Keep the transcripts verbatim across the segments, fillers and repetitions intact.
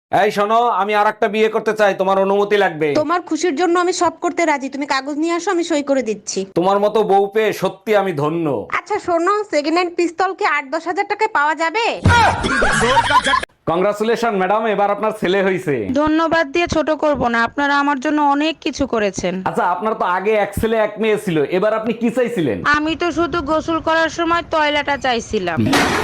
এই শোনো, আমি আর একটা বিয়ে করতে চাই, তোমার অনুমতি লাগবে। তোমার খুশির জন্য আমি সব করতে রাজি, তুমি কাগজ নিয়ে আসো, আমি সই করে দিচ্ছি। তোমার মতো বউ পেয়ে সত্যি আমি ধন্য। আচ্ছা শোনো, সেকেন্ড হ্যান্ড পিস্তল কি আট দশ হাজার টাকায় পাওয়া যাবে? কংগ্রাচুলেশন ম্যাডাম, এবার আপনার ছেলে হয়েছে। ধন্যবাদ দিয়ে ছোট করব না, আপনারা আমার জন্য অনেক কিছু করেছেন। আচ্ছা, আপনার তো আগে এক ছেলে এক মেয়ে ছিল, এবার আপনি কি চাইছিলেন? আমি তো শুধু গোসল করার সময় টয়লেটটা চাইছিলাম।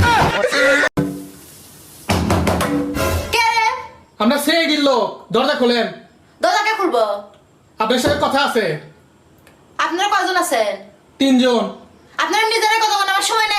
আমরা সে গিল দরজা খোলেন। দরজাকে খুলবো? আপনার সাথে কথা আছে। আপনারা কয়জন আছেন? তিনজন। আপনারা নিজেরা কথা বলার আমার সময় নাই।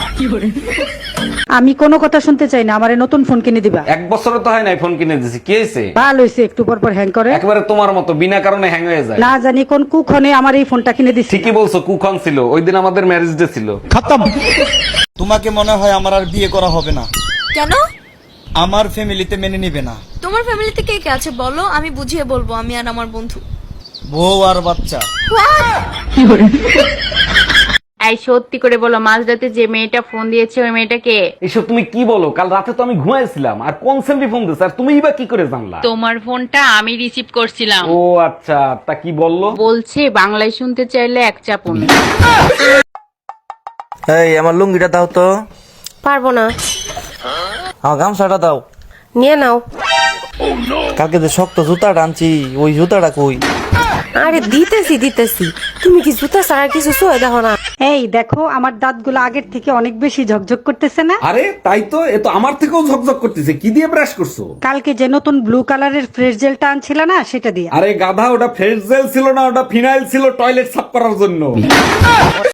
আমি কোনো কথা শুনতে চাই না, আমারে নতুন ফোন কিনে দিবা। এক বছরে তো হয় নাই ফোন কিনে দিছি, কি হয়েছে? ভালো হয়েছে, একটু পর পর হ্যাং করে। একেবারে তোমার মতো বিনা কারণে হ্যাং হয়ে যায়। না জানি কোন কুক্ষণে আমার এই ফোনটা কিনে দিছি। ঠিকই বলছো, কুখন ছিল ওই দিন আমাদের ম্যারেজ ডে ছিল। তোমাকে মনে হয় আমার আর বিয়ে করা হবে না। কেন? আমার ফ্যামিলিতে মেনে নিবে না। তোমার ফ্যামিলিতে কে কে আছে বলো, আমি বুঝিয়ে বলবো, আমি আর আমার বন্ধু। বউ আর বাচ্চা। এই সত্যি করে বলো, মাঝরাতে যে মেয়েটা ফোন দিয়েছে ওই মেয়েটা কে? এসব তুমি কি বলো? কাল রাতে তো আমি ঘুমাইছিলাম, আর কোন সেমরি ফোন দিছে, আর তুমিই বা কি করে জানলা? তোমার ফোনটা আমি রিসিভ করছিলাম। ও আচ্ছা, তা কি বললো? বলছে বাংলায় শুনতে চাইলে এক চাপুন। এই আমার লুঙ্গিটা দাও তো। পারবো না। আমার গামছাটা দাও। নিয়ে নাও। কালকে যে শক্ত জুতাটা আনছি, ওই জুতাটা কই? আরে দিতেছি দিতেছি, তুমি কি জুতা ছাড়া কিছু সয়ে দেখো না? এই দেখো, আমার দাঁতগুলো আগের থেকে অনেক বেশি ঝকঝক করতেছে না? আরে তাই তো, এ তো আমার থেকেও ঝকঝক করতেছে। কি দিয়ে ব্রাশ করছো? কালকে যে নতুন ব্লু কালারের ফ্রেশ জেলটা আনছিল না, সেটা দিয়ে। আরে গাধা, ওটা ফ্রেশ জেল ছিল না, ওটা ফিনাইল ছিল টয়লেট সাফ করার জন্য।